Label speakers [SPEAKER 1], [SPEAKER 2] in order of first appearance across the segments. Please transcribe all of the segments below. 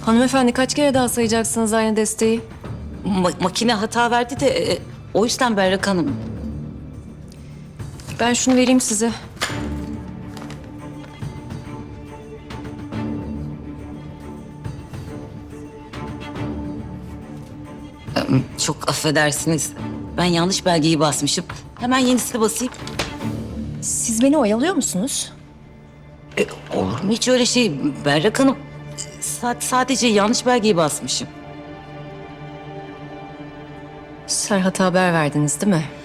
[SPEAKER 1] Hanımefendi kaç kere daha sayacaksınız aynı desteği?
[SPEAKER 2] Makine hata verdi de o yüzden Berrak Hanım.
[SPEAKER 1] Ben şunu vereyim size.
[SPEAKER 2] Çok affedersiniz. Ben yanlış belgeyi basmışım. Hemen yenisini basayım.
[SPEAKER 1] Siz beni oyalıyor musunuz?
[SPEAKER 2] Olur mu hiç öyle şey Berrak Hanım? Sadece yanlış belgeyi basmışım.
[SPEAKER 1] Serhat'a haber verdiniz değil mi?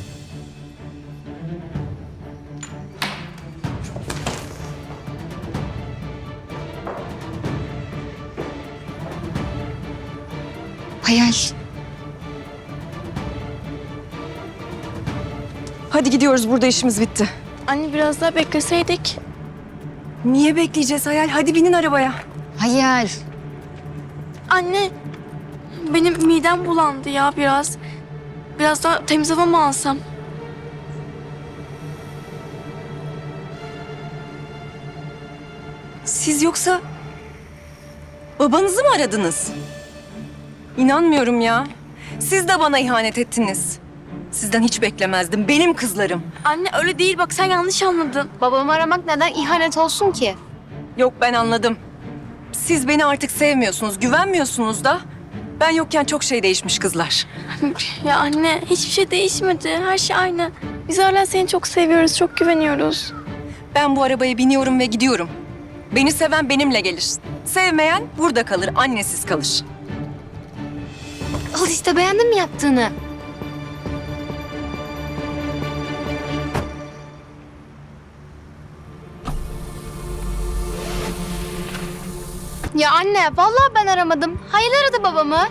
[SPEAKER 3] Hayal.
[SPEAKER 1] Hadi gidiyoruz, burada işimiz bitti.
[SPEAKER 4] Anne biraz daha bekleseydik.
[SPEAKER 1] Niye bekleyeceğiz Hayal? Hadi binin arabaya.
[SPEAKER 3] Hayal.
[SPEAKER 4] Anne benim midem bulandı ya biraz. Biraz daha temiz hava mı alsam?
[SPEAKER 1] Siz yoksa babanızı mı aradınız? İnanmıyorum ya. Siz de bana ihanet ettiniz. Sizden hiç beklemezdim. Benim kızlarım.
[SPEAKER 4] Anne öyle değil bak sen yanlış anladın.
[SPEAKER 3] Babamı aramak neden ihanet olsun ki?
[SPEAKER 1] Yok, ben anladım. Siz beni artık sevmiyorsunuz, güvenmiyorsunuz da. Ben yokken çok şey değişmiş kızlar.
[SPEAKER 4] Ya anne hiçbir şey değişmedi. Her şey aynı. Biz hala seni çok seviyoruz, çok güveniyoruz.
[SPEAKER 1] Ben bu arabaya biniyorum ve gidiyorum. Beni seven benimle gelir. Sevmeyen burada kalır, annesiz kalır.
[SPEAKER 3] Al işte, beğendin mi yaptığını? Ya anne, vallahi ben aramadım. Hayal aradı babamı.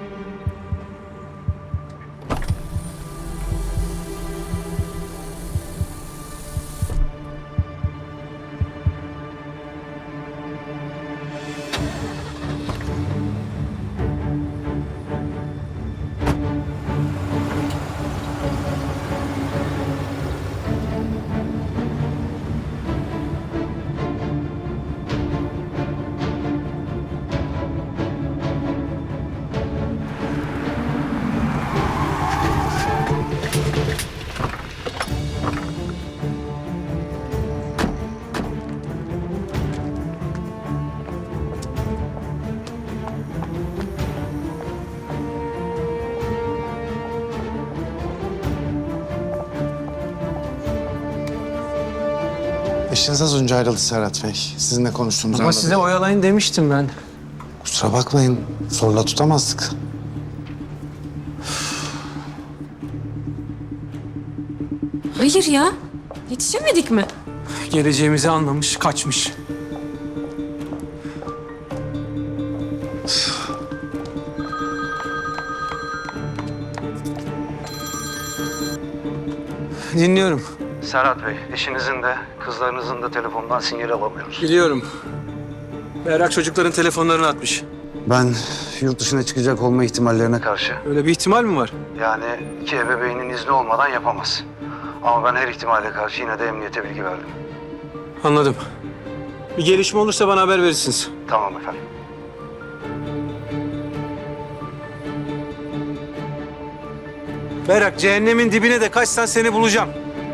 [SPEAKER 5] Eşiniz az önce ayrıldı Serhat Bey. Sizinle konuştuğumuzu
[SPEAKER 6] Ama
[SPEAKER 5] anladım.
[SPEAKER 6] size oyalayın demiştim ben.
[SPEAKER 5] Kusura bakmayın. Zorla tutamazdık.
[SPEAKER 1] Hayır ya. Yetişemedik mi?
[SPEAKER 6] Geleceğimizi anlamış, kaçmış. Dinliyorum.
[SPEAKER 7] Serhat Bey, eşinizin de kızlarınızın da telefondan sinyal alamıyoruz.
[SPEAKER 6] Biliyorum. Berrak çocukların telefonlarını atmış.
[SPEAKER 5] Ben yurt dışına çıkacak olma ihtimallerine
[SPEAKER 7] Karşı.
[SPEAKER 6] Öyle bir ihtimal mi var?
[SPEAKER 7] Yani iki ebeveynin izni olmadan yapamaz. Ama ben her ihtimale karşı yine de emniyete bilgi verdim.
[SPEAKER 6] Anladım. Bir gelişme olursa bana haber verirsiniz.
[SPEAKER 7] Tamam efendim.
[SPEAKER 6] Berrak, cehennemin dibine de kaçsan seni bulacağım.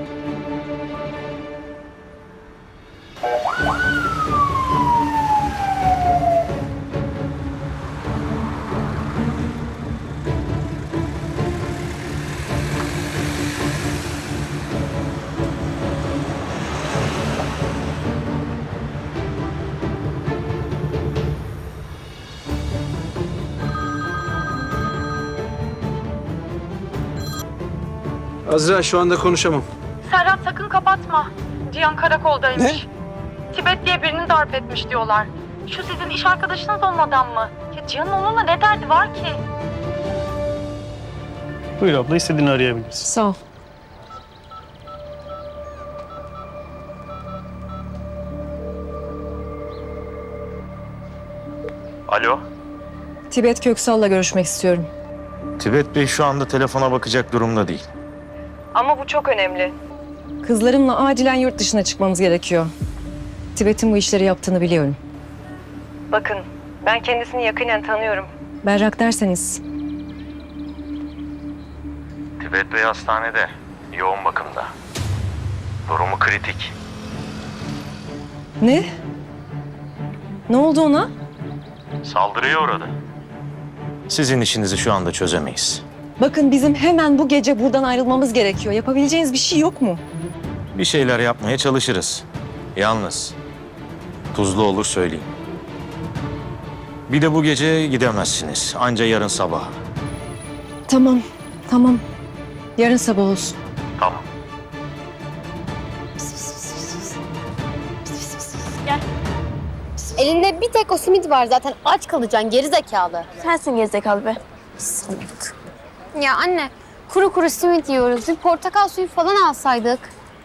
[SPEAKER 6] Azra, şu anda konuşamam.
[SPEAKER 8] Serhat sakın kapatma. Cihan karakoldaymış. Tibet diye birini darp etmiş diyorlar. Şu sizin iş arkadaşınız olmadan mı? Ya Cihan'ın onunla ne derdi var ki?
[SPEAKER 9] Buyur abla, istediğini arayabilirsin.
[SPEAKER 1] Sağ ol.
[SPEAKER 9] Alo.
[SPEAKER 1] Tibet Köksal'la görüşmek istiyorum.
[SPEAKER 9] Tibet Bey şu anda telefona bakacak durumda değil.
[SPEAKER 1] Ama bu çok önemli. Kızlarımla acilen yurt dışına çıkmamız gerekiyor. Tibet'in bu işleri yaptığını biliyorum. Bakın, Ben kendisini yakinen tanıyorum. Berrak derseniz.
[SPEAKER 9] Tibet Bey hastanede. Yoğun bakımda. Durumu kritik.
[SPEAKER 1] Ne? Ne oldu ona?
[SPEAKER 9] Saldırıya uğradı. Sizin işinizi şu anda çözemeyiz.
[SPEAKER 1] Bakın bizim hemen bu gece buradan ayrılmamız gerekiyor. Yapabileceğiniz bir şey yok mu?
[SPEAKER 9] Bir şeyler yapmaya çalışırız. Yalnız tuzlu olur söyleyeyim. Bir de bu gece gidemezsiniz. Anca yarın sabah.
[SPEAKER 1] Tamam, tamam. Yarın sabah olsun.
[SPEAKER 9] Tamam.
[SPEAKER 3] Elinde bir tek o simit var zaten. Aç kalacaksın geri zekalı.
[SPEAKER 4] Sensin gerizekalı be.
[SPEAKER 3] Ya anne kuru kuru simit yiyoruz. Bir portakal suyu falan alsaydık.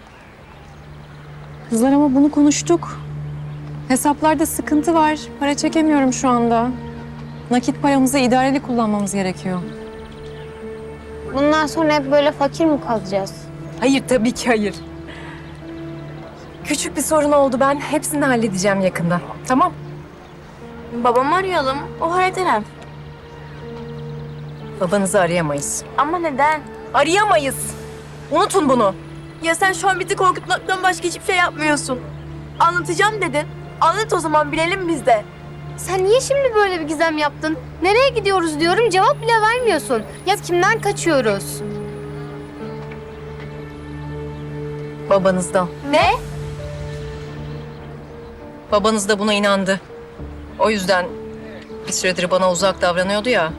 [SPEAKER 1] Kızlar ama bunu konuştuk. Hesaplarda sıkıntı var. Para çekemiyorum şu anda. Nakit paramızı idareli kullanmamız gerekiyor.
[SPEAKER 3] Bundan sonra hep böyle fakir mi kalacağız?
[SPEAKER 1] Hayır, tabii ki hayır. Küçük bir sorun oldu. Ben hepsini halledeceğim yakında. Tamam?
[SPEAKER 4] Babamı arayalım. O halleder.
[SPEAKER 1] Babanızı arayamayız.
[SPEAKER 4] Ama neden?
[SPEAKER 1] Arayamayız. Unutun bunu.
[SPEAKER 4] Ya sen şu an bizi korkutmaktan başka hiçbir şey yapmıyorsun. Anlatacağım dedin. Anlat o zaman bilelim biz de.
[SPEAKER 3] Sen niye şimdi böyle bir gizem yaptın? Nereye gidiyoruz diyorum cevap bile vermiyorsun. Ya kimden kaçıyoruz?
[SPEAKER 1] Babanızdan.
[SPEAKER 3] Ne?
[SPEAKER 1] Babanız da buna inandı. O yüzden bir süredir bana uzak davranıyordu ya.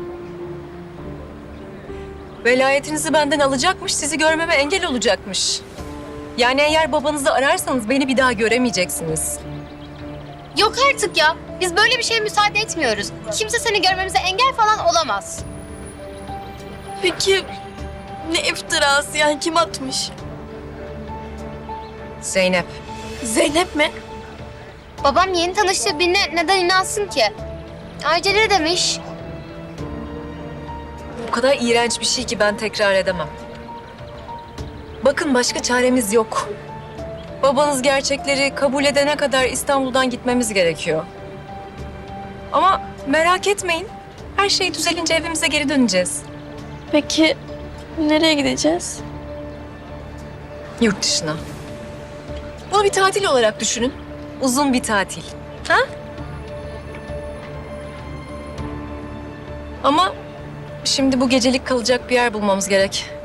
[SPEAKER 1] Velayetinizi benden alacakmış, sizi görmeme engel olacakmış. Yani eğer babanızı ararsanız beni bir daha göremeyeceksiniz.
[SPEAKER 3] Yok artık ya. Biz böyle bir şeye müsaade etmiyoruz. Kimse seni görmemize engel falan olamaz.
[SPEAKER 4] Peki ne iftirası yani kim atmış?
[SPEAKER 1] Zeynep.
[SPEAKER 4] Zeynep mi?
[SPEAKER 3] Babam yeni tanıştığı birine neden inansın ki? Ayrıca ne demiş?
[SPEAKER 1] O kadar iğrenç bir şey ki ben tekrar edemem. Bakın başka çaremiz yok. Babanız gerçekleri kabul edene kadar İstanbul'dan gitmemiz gerekiyor. Ama merak etmeyin. Her şey düzelince evimize geri döneceğiz.
[SPEAKER 4] Peki nereye gideceğiz?
[SPEAKER 1] Yurt dışına. Bunu bir tatil olarak düşünün. Uzun bir tatil. Ha? Ama şimdi bu gecelik kalacak bir yer bulmamız gerek.